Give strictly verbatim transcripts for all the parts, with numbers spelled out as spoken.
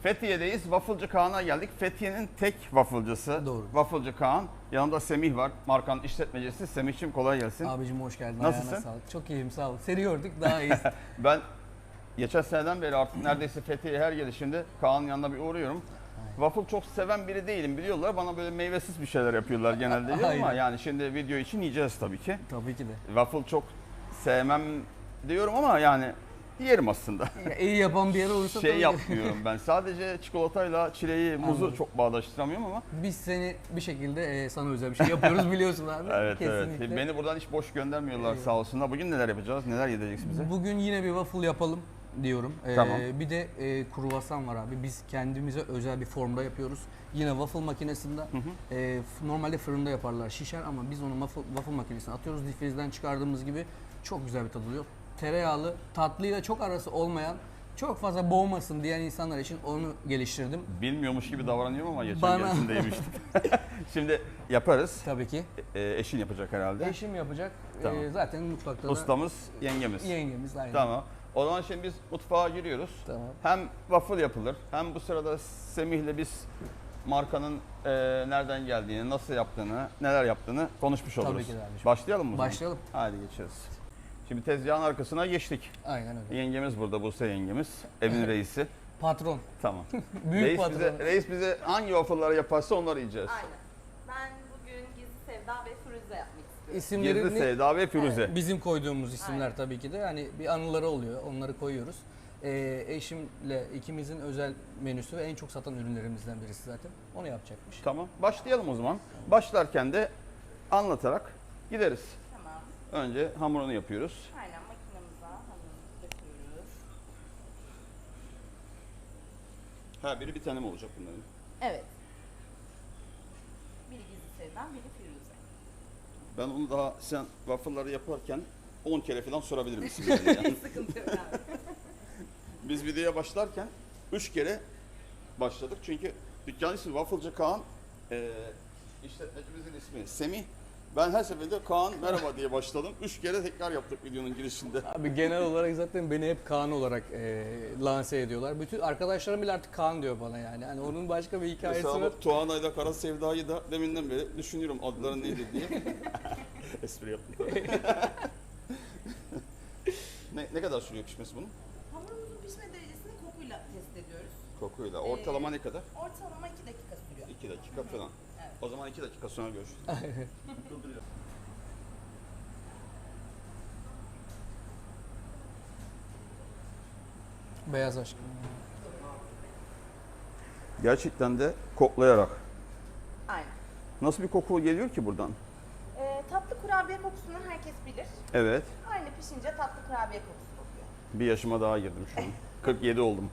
Fethiye'deyiz. Wafflecı Kaan'a geldik. Fethiye'nin tek wafflecısı. Doğru. Wafflecı Kaan. Yanında Semih var. Markanın işletmecisi. Semih'cim kolay gelsin. Abicim hoş geldin. Nasılsın? Ayağına sağlık. Çok iyiyim sağ ol. Seni gördük daha iyiyiz. Ben geçen seneden beri artık neredeyse Fethiye'ye her gelişimde Kaan'ın yanına bir uğruyorum. Waffle çok seven biri değilim biliyorlar. Bana böyle meyvesiz bir şeyler yapıyorlar genelde diyor ama Aynen. yani şimdi video için yiyeceğiz tabii ki. Tabii ki de. Waffle çok sevmem diyorum ama yani yerim aslında. Ya, iyi yapan bir yer olursa Şey tabii. yapmıyorum ben. Sadece çikolatayla çileği, muzu Anladım. çok bağdaştıramıyorum ama. Biz seni bir şekilde e, sana özel bir şey yapıyoruz biliyorsun abi. Evet Kesinlikle. evet. Beni buradan hiç boş göndermiyorlar Evet. sağ olsunlar. Bugün neler yapacağız? Neler yedireceksin bize? Bugün yine bir waffle yapalım diyorum. Ee, Tamam. Bir de e, kruvasan var abi. Biz kendimize özel bir formda yapıyoruz. Yine waffle makinesinde. hı. E, f- normalde fırında yaparlar şişer ama biz onu waffle, waffle makinesine atıyoruz. Difrizden çıkardığımız gibi çok güzel bir tadı oluyor. Tereyağlı, tatlıyla çok arası olmayan, çok fazla boğmasın diyen insanlar için onu geliştirdim. Bilmiyormuş gibi davranıyorum ama geçen Bana- gerisinde yemiştim. Şimdi yaparız. Tabii ki. E, eşin yapacak herhalde. Eşim yapacak. Tamam. E, zaten mutfakta da Ustamız, yengemiz. yengemiz aynı. Tamam. O zaman şimdi biz mutfağa giriyoruz. Tamam. Hem waffle yapılır hem bu sırada Semih'le biz markanın e, nereden geldiğini, nasıl yaptığını, neler yaptığını konuşmuş Tabii oluruz. ki de abiciğim. Başlayalım mı? o zaman? Başlayalım. Hadi geçiyoruz. Şimdi tezgahın arkasına geçtik. Aynen öyle. Yengemiz burada, Buse yengemiz. Evin reisi. Patron. Tamam. Büyük reis patron. bize, reis bize hangi waffle'ları yaparsa onları yiyeceğiz. Aynen. Ben bugün Gizli Sevda ve Firuze yapmak istiyorum. İsimlerini Gizli Sevda ve Firuze. bizim koyduğumuz isimler Aynen. tabii ki de. Hani bir anıları oluyor. Onları koyuyoruz. Ee, eşimle ikimizin özel menüsü ve en çok satan ürünlerimizden birisi zaten. Onu yapacakmış. Tamam. Başlayalım o zaman. Başlarken de anlatarak gideriz. Tamam. Önce hamurunu yapıyoruz. Aynen makinamıza hamurumuzu döküyoruz. Ha biri bir tane mi olacak bunların? Evet. Biri Gizli Sevda, biri Firuze. Ben onu daha sen waffle'ları yaparken on kere falan sorabilirim isimlerini yani. Sıkıntı yok abi. Biz videoya başlarken üç kere başladık çünkü dükkan ismi Wafflecı Kaan, e, işletmecimizin ismi Semih. Ben her seferinde Kaan merhaba diye başladım. Üç kere tekrar yaptık videonun girişinde. Abi genel olarak zaten beni hep Kaan olarak e, lanse ediyorlar. Bütün arkadaşlarım bile artık Kaan diyor bana yani. Hani onun başka bir hikayesi Mesela var. bak Tuğanay'la Kara Sevda'yı da deminden beri düşünüyorum adları neydi diye. Espri yaptım tabii. ne, ne kadar sürüyor pişmesi bunun? Hamurumuzun pişme derecesini kokuyla test ediyoruz. Kokuyla. Ortalama ne kadar? Ortalama iki dakika sürüyor. iki dakika falan. Evet. O zaman iki dakika sonra görüşürüz. Beyaz aşk. Gerçekten de koklayarak. Aynen. Nasıl bir koku geliyor ki buradan? Ee, tatlı kurabiye kokusunu herkes bilir. Evet. Aynı pişince tatlı kurabiye kokusu kokuyor. Bir yaşıma daha girdim şu an. kırk yedi oldum.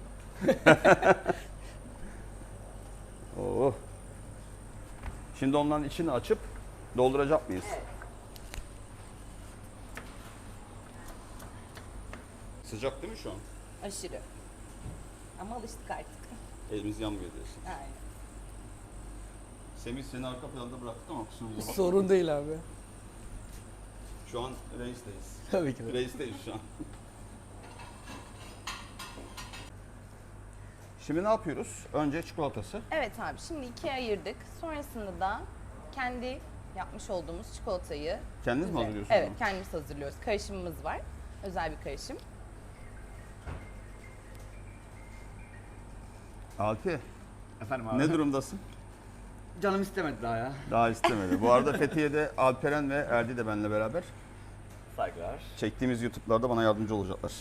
Oh. Şimdi onların içini açıp dolduracak mıyız? Evet. Sıcak değil mi şu an? Aşırı. Ama alıştık artık. Elimiz yanmıyor diyorsun. Aynen. Semih seni arka planda bıraktık ama kusurumuza bakma. Sorun değil abi. Şu an reisteyiz. Tabii ki de. Reisteyiz şu an. Şimdi ne yapıyoruz? Önce çikolatası. Evet abi şimdi ikiye ayırdık. Sonrasında da kendi yapmış olduğumuz çikolatayı Kendiniz mi bize- hazırlıyorsunuz Evet bunu? kendimiz hazırlıyoruz. Karışımımız var. Özel bir karışım. Alpi, Efendim abi. ne durumdasın? Canım istemedi daha ya. Daha istemedi. Bu arada Fethiye'de Alperen ve Erdi de benimle beraber. Saygılar. Çektiğimiz YouTube'larda bana yardımcı olacaklar.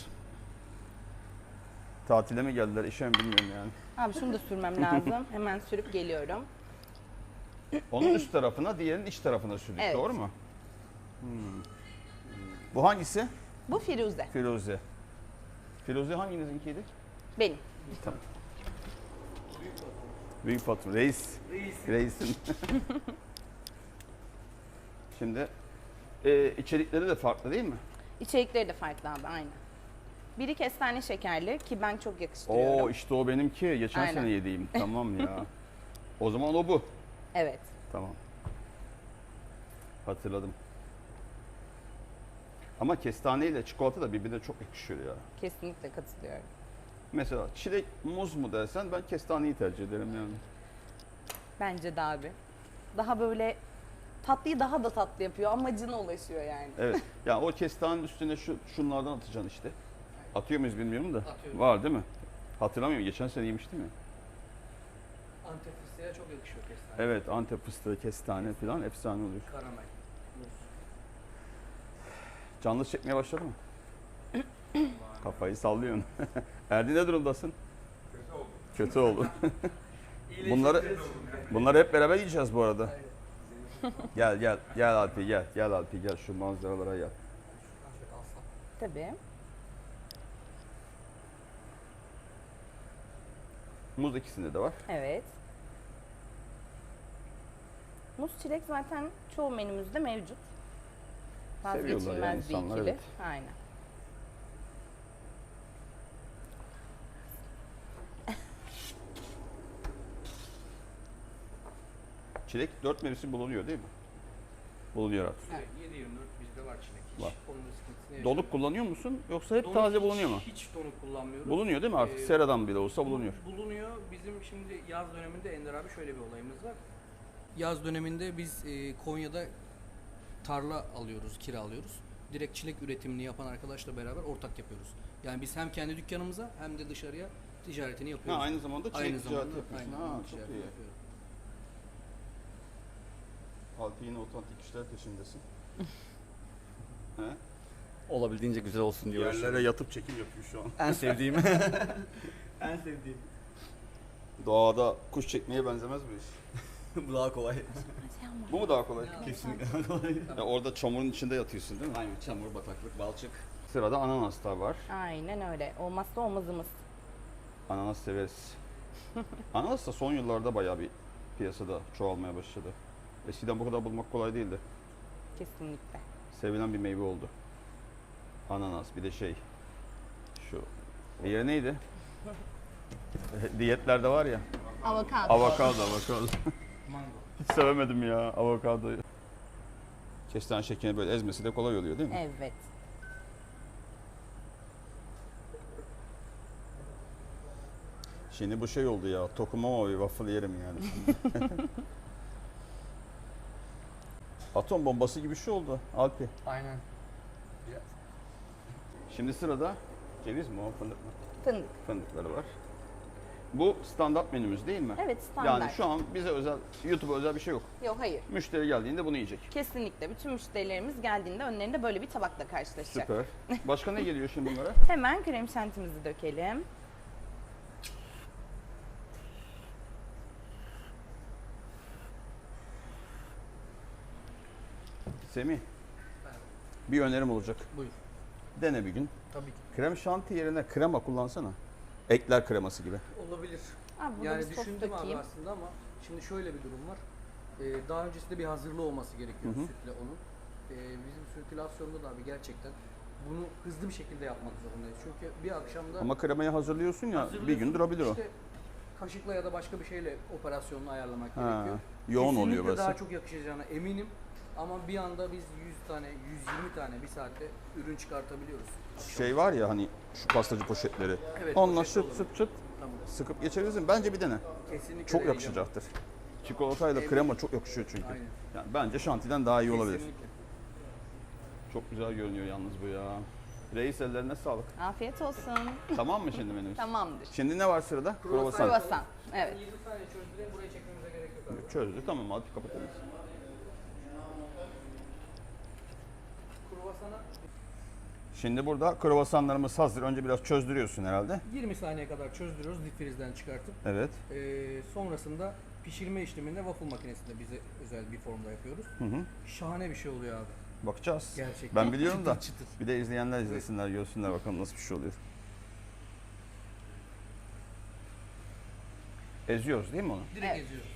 Tatile mi geldiler, işe mi bilmiyorum yani. Abi şunu da sürmem lazım. Hemen sürüp geliyorum. Onun üst tarafına, diğerinin iç tarafına sürdük, Evet. doğru mu? Hmm. Bu hangisi? Bu Firuze. Firuze. Firuze hanginizinkiydi? Benim. Tamam. Büyük patron, reis. Reisin. Şimdi e, içerikleri de farklı değil mi? İçerikleri de farklı abi aynı. Biri kestane şekerli ki ben çok yakıştırıyorum. Oo işte o benimki. Geçen Aynen. sene yediğim. Tamam ya. O zaman o bu. Evet. Tamam. Hatırladım. Ama kestane ile çikolata da birbirine çok yakışıyor ya. Kesinlikle katılıyorum. Mesela çilek muz mu dersen ben kestaneyi tercih ederim yani. Bence de abi. Daha böyle tatlıyı daha da tatlı yapıyor. Amacına ulaşıyor yani. Evet. Yani o kestanenin üstüne şu şunlardan atacaksın işte. Atıyor muyuz bilmiyorum da. Atıyoruz. Var değil mi? Hatırlamıyorum. Geçen sene yemiştim ya. Antep fıstığa çok yakışıyor kestane. Evet, Antep fıstığı, kestane falan efsane oluyor. Karamel. Muz. Canlı çekmeye başladı mı? Kafayı sallıyorsun. Erdi ne durumdasın? Kötü oldu. Kötü oldu. bunları bunları hep beraber yiyeceğiz bu arada. Gel gel gel Alpi gel gel Alpi gel şu manzaralara gel. Tabii. Muz ikisinde de var. Evet. Muz çilek zaten çoğu menümüzde mevcut. Seviyorlar Vazgeçilmez yani bir insanlar, ikili. evet. Aynen. Çilek dört mevsim bulunuyor değil mi? Bulunuyor artık. Evet, yedi yirmi dört bizde var çilek. Hiç Var. onun sıkıntısını yaşamıyoruz. Donuk kullanıyor musun yoksa hep Donuk taze hiç- bulunuyor mu? Hiç donuk kullanmıyoruz. Bulunuyor değil mi artık? Ee, Seradan bile olsa bulunuyor. Bulunuyor. Bizim şimdi yaz döneminde Ender abi şöyle bir olayımız var. Yaz döneminde biz e, Konya'da tarla alıyoruz, kiralıyoruz. Direkt çilek üretimini yapan arkadaşla beraber ortak yapıyoruz. Yani biz hem kendi dükkanımıza hem de dışarıya ticaretini Ha, yapıyoruz. aynı zamanda çilek Aynı ticareti zamanda yapıyorsun. aynı Ha, zamanda çok ticaretini iyi. yapıyoruz. Alpi yine otantik işler peşindesin. He? Olabildiğince güzel olsun diye uğraşıyorum. Yerlere yatıp çekim yapıyor şu an. En sevdiğim. en sevdiğim. Doğada kuş çekmeye benzemez bu iş. Bu daha kolay. Bu mu daha kolay? Kesinlikle daha kolay. Ya orada çamurun içinde yatıyorsun değil mi? Aynen çamur, bataklık, balçık. Sırada ananas da var. Aynen öyle. Olmazsa olmazımız. Ananas severiz. Ananas da son yıllarda bayağı bir piyasada çoğalmaya başladı. Eskiden bu kadar bulmak kolay değildi. Kesinlikle. Sevilen bir meyve oldu. Ananas bir de şey şu diğeri neydi? Diyetlerde var ya. Avokado. Avokado, avokado. Mango. Hiç sevemedim ya avokadoyu. Kestane şekerini böyle ezmesi de kolay oluyor değil mi? Evet. Şimdi bu şey oldu ya. Tokumama bir waffle yerim yani. Atom bombası gibi bir şey oldu Alpi. Aynen. Şimdi sırada ceviz mi o fındık mı? Fındık. Fındıkları var. Bu standart menümüz değil mi? Evet, standart. Yani şu an bize özel, YouTube'a özel bir şey yok. Yok hayır. Müşteri geldiğinde bunu yiyecek. Kesinlikle. Bütün müşterilerimiz geldiğinde önlerinde böyle bir tabakla karşılaşacak. Süper. Başka ne geliyor şimdi bunlara? Hemen krem şantimizi dökelim. Semih, bir önerim olacak. Buyur. Dene bir gün. Tabii ki. Krem şanti yerine krema kullansana. Ekler kreması gibi. Olabilir. Abi burada Yani bir sos düşündüm abi dökeyim. aslında ama şimdi şöyle bir durum var. Ee, daha öncesinde bir hazırlığı olması gerekiyor Hı hı. sütle onun. Ee, bizim sirkülasyonda da abi gerçekten bunu hızlı bir şekilde yapmak zorundayız. Çünkü bir akşamda Ama kremayı hazırlıyorsun ya bir hazırlıyorsun, gün durabilir o. işte kaşıkla ya da başka bir şeyle operasyonunu ayarlamak Ha, gerekiyor. yoğun Kesinlikle oluyor burası. daha çok yakışacağına eminim. Ama bir anda biz yüz tane, yüz yirmi tane bir saatte ürün çıkartabiliyoruz. Şey var ya hani şu pastacı poşetleri. Evet, Onunla poşet çıt olur. çıt çıt Tamam. sıkıp geçebilirsin. Bence bir dene. Kesinlikle Çok deneyeceğim. yakışacaktır. Çikolatayla Eminim. krema çok yakışıyor çünkü. Aynen. Yani bence şantiden daha iyi olabilir. Kesinlikle. Çok güzel görünüyor yalnız bu ya. Reis ellerine sağlık. Afiyet olsun. Tamam mı şimdi menümüz? Tamamdır. Şimdi ne var sırada? Kruvasan. Kruvasan. Kruvasan. Evet. yirmi saniye çözdüğünde buraya çekmemize gerek yok abi. Çözdü tamam hadi kapatalım. Kruvasana Şimdi burada kruvasanlarımız hazır. Önce biraz çözdürüyorsun herhalde. yirmi saniye kadar çözdürüyoruz dip frizden çıkartıp. Evet. Ee, sonrasında pişirme işleminde waffle makinesinde bize özel bir formda yapıyoruz. Hı hı. Şahane bir şey oluyor abi. Bakacağız. Gerçekten. Ben biliyorum da. Çıtır çıtır. Bir de izleyenler izlesinler, görsünler bakalım nasıl bir şey oluyor. Eziyoruz değil mi onu? Direkt Evet. eziyoruz.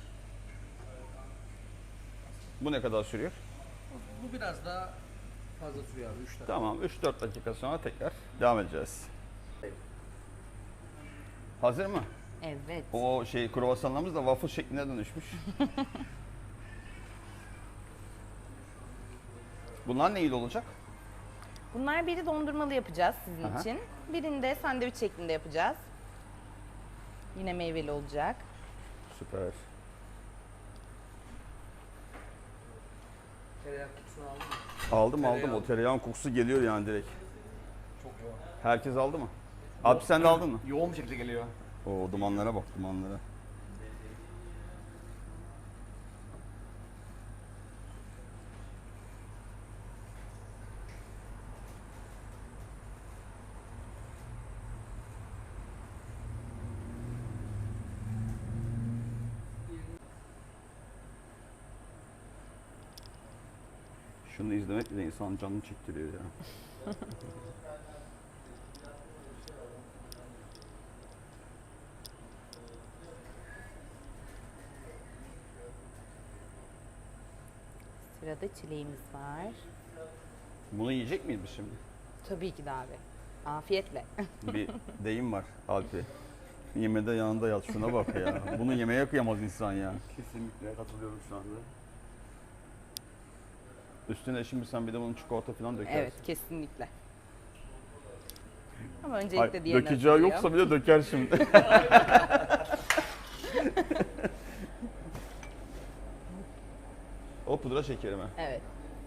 Bu ne kadar sürüyor? Bu biraz daha fazla sürüyor abi üç dakika. Tamam üç dört dakika sonra tekrar devam edeceğiz. Hazır mı? Evet. O şey kruvasanlarımız da waffle şekline dönüşmüş. Bunlar neyle olacak? Bunlar biri dondurmalı yapacağız sizin Aha. için. Birini de sandviç şeklinde yapacağız. Yine meyveli olacak. Süper. Tereyağı kokusunu aldın mı? Aldım Tereyağı. aldım. O tereyağın kokusu geliyor yani direkt. Çok yoğun. Herkes aldı mı? Abi sen de aldın mı? Yoğun bir şekilde geliyor. O dumanlara bak dumanlara. Şunu izlemek bile insanın canını çektiriyor ya. Sırada çileğimiz var. Bunu yiyecek miyiz biz şimdi? Tabii ki de abi. Afiyetle. Bir deyim var Alpi. Yemede yanında yat, şuna bak ya. Bunu yemeye kıyamaz insan ya. Kesinlikle katılıyorum şu anda. Üstüne şimdi sen bir de bunun çikolata falan dökersin. Evet, kesinlikle. Ama öncelikle Hayır, diğerini dökeceği hazırlayalım. yoksa bile döker şimdi. O pudra şekeri mi? Evet.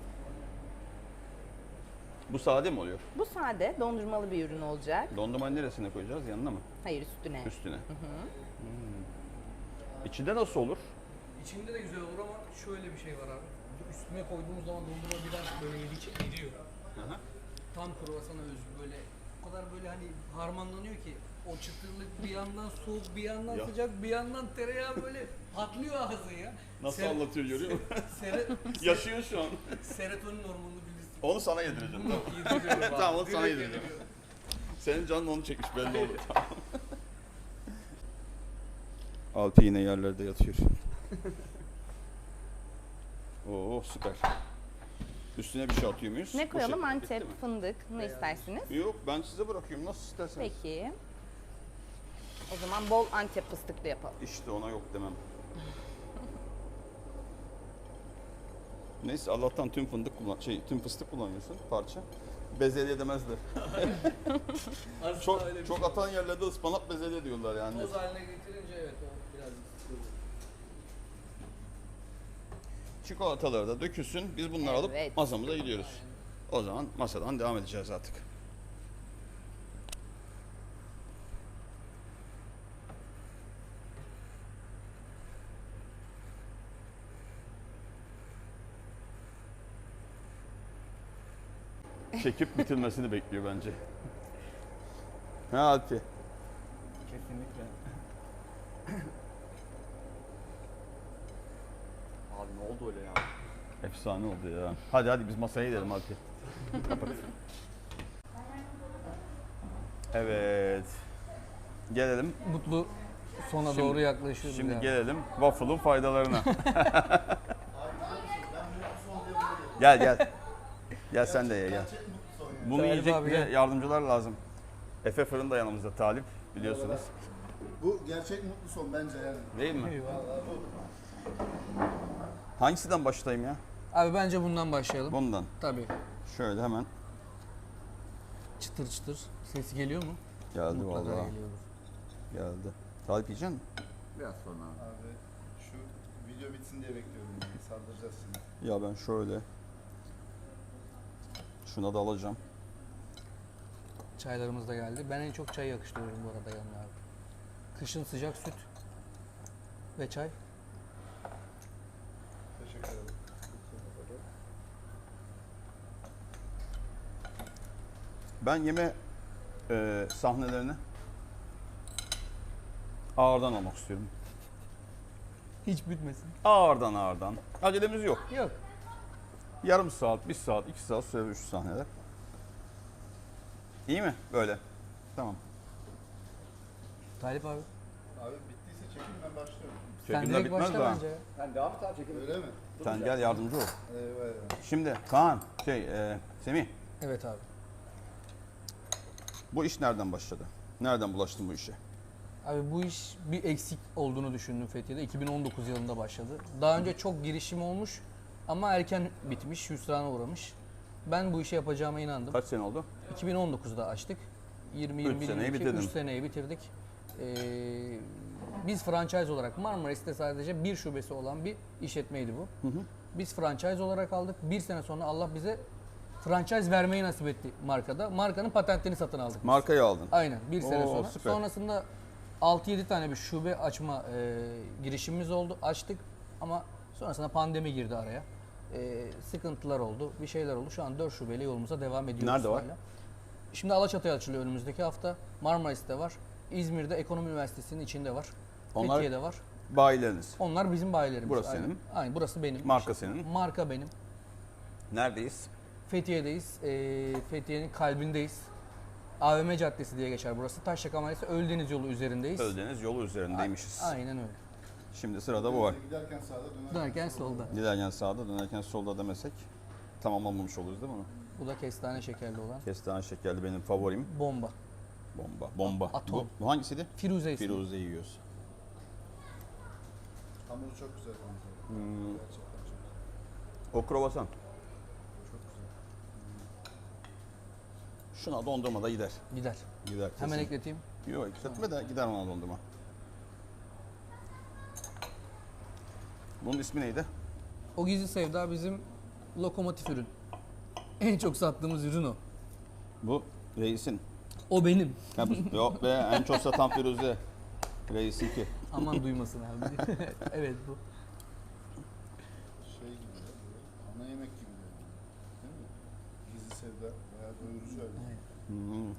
Bu sade mi oluyor? Bu sade, dondurmalı bir ürün olacak. Dondurmayı neresine koyacağız? Yanına mı? Hayır, üstüne. Üstüne. Hmm. İçinde nasıl olur? İçinde de güzel olur ama şöyle bir şey var abi. Üstüne koyduğumuz zaman dondurma biraz böyle yedikçe eriyor. Tam kruvasana özgü böyle. O kadar böyle hani harmanlanıyor ki o çıtırlık bir yandan soğuk, bir yandan Ya. sıcak, bir yandan tereyağı böyle patlıyor ağzın ya. Nasıl Ser- anlatıyor görüyor musun? Sere, Yaşıyor şu an. serotonin hormonunu bilirsin. Onu sana yedireceğim. Bunu yediriyorum abi. Tamam, onu sana Direkt yedireceğim. yediriyorum. Senin canın onu çekmiş belli oldu. Tamam. Alpi yine yerlerde yatıyor. Oo süper. Üstüne bir şey atıyor muyuz? Ne Bu koyalım? şey- Antep, bitti mi? fındık. Ne istersiniz? Yok ben size bırakıyorum nasıl isterseniz. Peki. O zaman bol Antep fıstıklı yapalım. İşte ona yok demem. Neyse Allah'tan tüm fındık kullan şey tüm fıstık kullanıyorsun parça. Bezelye demezler. Aslında Çok öyle bir çok şey. atan yerlerde ıspanak bezelye diyorlar yani. Toz haline getirince evet o biraz sıkıntı. Çikolataları da dökülsün. Biz bunları alıp Evet. masamıza gidiyoruz. O zaman masadan devam edeceğiz artık. Çekip bitirmesini bekliyor bence. Ha Alpi. Kesinlikle. Abi ne oldu öyle ya? Efsane oldu ya. Hadi hadi biz masaya gidelim Alpi. Kapat. Evet. Gelelim. Mutlu sona Şimdi- doğru yaklaşıyoruz. Şimdi yani. gelelim waffle'ın faydalarına. Gel gel. Gel sen de ye gel. Bunu Talip yiyecek abi bize gel. yardımcılar lazım. Efe Fırın da yanımızda Talip biliyorsunuz. Bu gerçek mutlu son bence yani. Değil mi? Eyvallah. Hangisinden başlayayım ya? Abi bence bundan başlayalım. Bundan. Tabii. Şöyle hemen Çıtır çıtır. Ses geliyor mu? geldi Mutlaka vallahi. geliyordur. Geldi. Talip yiyecek misin? Biraz sonra abi. Abi şu video bitsin diye bekliyorum yani. Sardıracağız şimdi. Ya ben şöyle şuna da alacağım. Çaylarımız da geldi. Ben en çok çay yakıştırıyorum bu arada yanına abi. Kışın sıcak süt ve çay. Teşekkür ederim. Ben yeme e, sahnelerini ağırdan almak istiyorum. Hiç bitmesin. Ağırdan ağırdan. Acelemiz yok. Yok. Yarım saat, bir saat, iki saat sürer üç sahneler. İyi mi? Böyle. Tamam. Talip abi. Abi bittiyse çekin ben başlıyorum. Sen Çekimler direkt bitmez başla daha. bence. ya. Sen devam et abi çekelim. Öyle mi? Sen gel yardımcı ol. Eyvah eyvah. Şimdi Kaan, şey, e, Semih, Evet abi. bu iş nereden başladı? Nereden bulaştın bu işe? Abi bu iş bir eksik olduğunu düşündüm Fethiye'de. iki bin on dokuz yılında başladı. Daha önce çok girişim olmuş ama erken bitmiş, hüsrana uğramış. Ben bu işi yapacağıma inandım. Kaç sene oldu? iki bin on dokuzda açtık. yirmi Üç yirmi seneyi iki bitirdin. üç seneyi bitirdik. Ee, biz franchise olarak Marmaris'te sadece bir şubesi olan bir işletmeydi bu. Biz franchise olarak aldık. Bir sene sonra Allah bize franchise vermeyi nasip etti markada. Markanın patentini satın aldık. biz. Markayı aldın. Aynen bir sene Oo, sonra. süper. Sonrasında altı yedi tane bir şube açma e, girişimimiz oldu. Açtık ama sonrasında pandemi girdi araya. E, sıkıntılar oldu, bir şeyler oldu. Şu an dört şubeyle yolumuza devam ediyoruz. Nerede var? hala. Şimdi Alaçatı'ya açılıyor önümüzdeki hafta. Marmaris'te var. İzmir'de Ekonomi Üniversitesi'nin içinde var. Onlar- Fethiye'de var. Bayileriniz. Onlar bizim bayilerimiz. Burası Aynen. senin. Aynen burası benim. Marka senin. Marka benim. Neredeyiz? Fethiye'deyiz. E, Fethiye'nin kalbindeyiz. A V M Caddesi diye geçer burası. Taşyaka Mahallesi Ölüdeniz yolu üzerindeyiz. Öldeniz yolu üzerindeymişiz. Aynen öyle. Şimdi sırada bu var. Giderken sağda dönerken Dönerken solda. Giderken sağda, dönerken solda demesek tamamlanmamış oluruz değil mi onu? Bu da kestane şekerli olan. Kestane şekerli benim favorim. Bomba. Bomba. Bomba. Atom. Bu, bu hangisiydi? Firuze ismi. Firuze yiyoruz. Hamuru çok güzel konuşuyor. Hmm, Gerçekten çok güzel. o kruvasan. Çok güzel. Şuna dondurma da gider. Gider. Gider kesin. Hemen ekleteyim. Yok ekletme de gider ona dondurma. Bunun ismi neydi? O gizli sevda bizim lokomotif ürün. En çok sattığımız ürün o. Bu reisin. O benim. Ha, bu- Yok be en çok satan Firuze. Reisin ki. Aman duymasın abi. Evet bu. Şey gibi ya, böyle ana yemek gibi de. Değil mi? Gizli sevda bayağı doyurucu öyle. Evet. Hmm.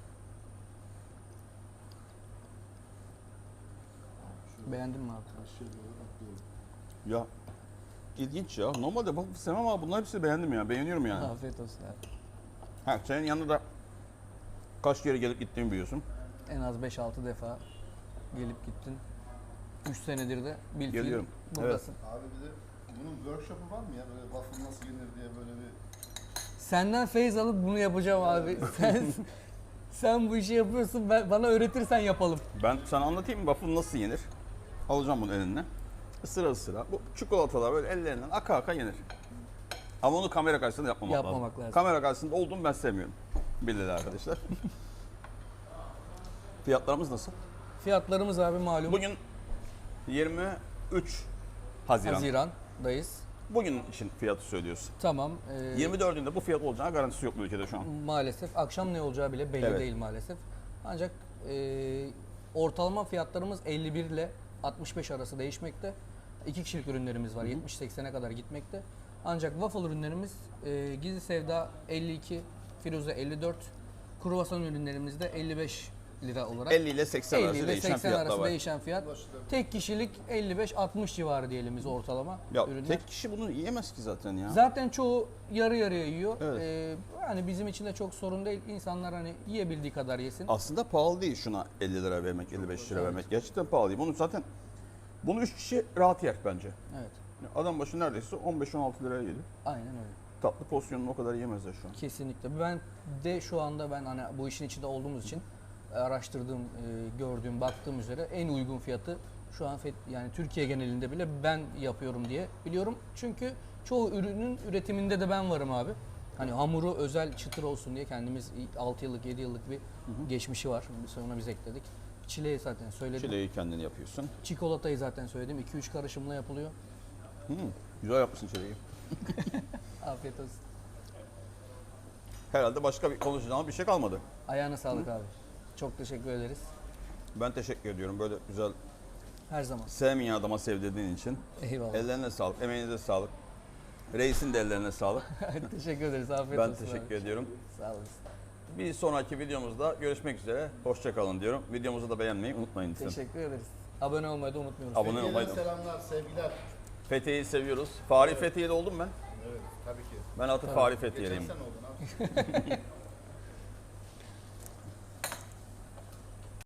Beğendin mi abi? Her şey böyle atlıyorum. Ya ilginç ya. Normalde bak sevmem ama bunlar hepsini beğendim ya. Beğeniyorum yani. Afiyet olsun abi. Ha, senin yanında da kaç kere gelip gittiğimi biliyorsun. En az beş altı defa gelip gittin. üç senedir de bil fiil Geliyorum. buradasın. Abi bir de bunun workshop'u var mı ya? Böyle waffle nasıl yenir diye böyle bir... Senden feyiz alıp bunu yapacağım abi. Sen sen bu işi yapıyorsun. Ben, bana öğretirsen yapalım. Ben sana anlatayım mı waffle nasıl yenir? Alacağım bunu eline. Isıra ısıra. Bu çikolatalar böyle ellerinden aka aka yenir. Ama onu kamera karşısında yapmamak, Yapmamak lazım. Kamera karşısında olduğumu ben sevmiyorum. Bildiler arkadaşlar. Fiyatlarımız nasıl? Fiyatlarımız abi malum. Bugün yirmi üç Haziran. Haziran'dayız. Bugün için fiyatı söylüyorsun. Tamam. e, yirmi dördünde bu fiyat olacağına garantisi yok bu ülkede şu an. Maalesef akşam ne olacağı bile belli Evet. değil maalesef. Ancak e, ortalama fiyatlarımız elli bir ile altmış beş arası değişmekte. İki kişilik ürünlerimiz var. yetmiş seksene kadar gitmekte. Ancak waffle ürünlerimiz e, Gizli Sevda elli iki, Firuze elli dört, kruvasan ürünlerimiz de elli beş lira olarak. elli ile seksen elli arası ile değişen seksen fiyatlar arası var. değişen fiyat. Ulaşılabilir. Tek kişilik elli beş altmış civarı diyelim biz ortalama Ya ürünler. tek kişi bunu yiyemez ki zaten ya. Zaten çoğu yarı yarıya yiyor. Evet. Ee, yani bizim için de çok sorun değil. İnsanlar hani yiyebildiği kadar yesin. Aslında pahalı değil şuna elli lira vermek, elli beş lira vermek. Gerçekten pahalı değil. Bunu zaten bunu üç kişi rahat yer bence. Evet. Adam başı neredeyse on beş on altı liraya yedi. Aynen öyle. Tatlı porsiyonunu o kadar yiyemezler şu an. Kesinlikle. Ben de şu anda ben hani bu işin içinde olduğumuz için araştırdığım, e, gördüğüm, baktığım üzere en uygun fiyatı şu an fet- yani Türkiye genelinde bile ben yapıyorum diye biliyorum. Çünkü çoğu ürünün üretiminde de ben varım abi. Hani hamuru özel çıtır olsun diye kendimiz altı yıllık yedi yıllık bir geçmişi var. Sonra biz ekledik. Çileği zaten söyledim. Çileği kendin yapıyorsun. Çikolatayı zaten söyledim. iki üç karışımla yapılıyor. Hmm, güzel yapmışsın çileği. Afiyet olsun. Herhalde başka bir konuşacağımız bir şey kalmadı. Ayağına sağlık abi. Çok teşekkür ederiz. Ben teşekkür ediyorum böyle güzel Her zaman. sevmeyen adama sevdirdiğin için. Eyvallah. Ellerine sağlık, emeğinize sağlık. Reisin de ellerine sağlık. Teşekkür ederiz. Afiyet Ben olsun. teşekkür abi. ediyorum. Sağ olasın. Bir sonraki videomuzda görüşmek üzere. Hoşça kalın diyorum. Videomuzu da beğenmeyi unutmayın lütfen. Teşekkür ederiz. Abone olmayı da unutmuyoruz. Abone Fethiye'den olmayı da- selamlar, sevgiler. Fethiye'yi seviyoruz. Fahri Fethiye'de oldum ben. Evet, tabii ki. Ben artık Fahri Fethiye'liyim. Geçen sene oldun abi.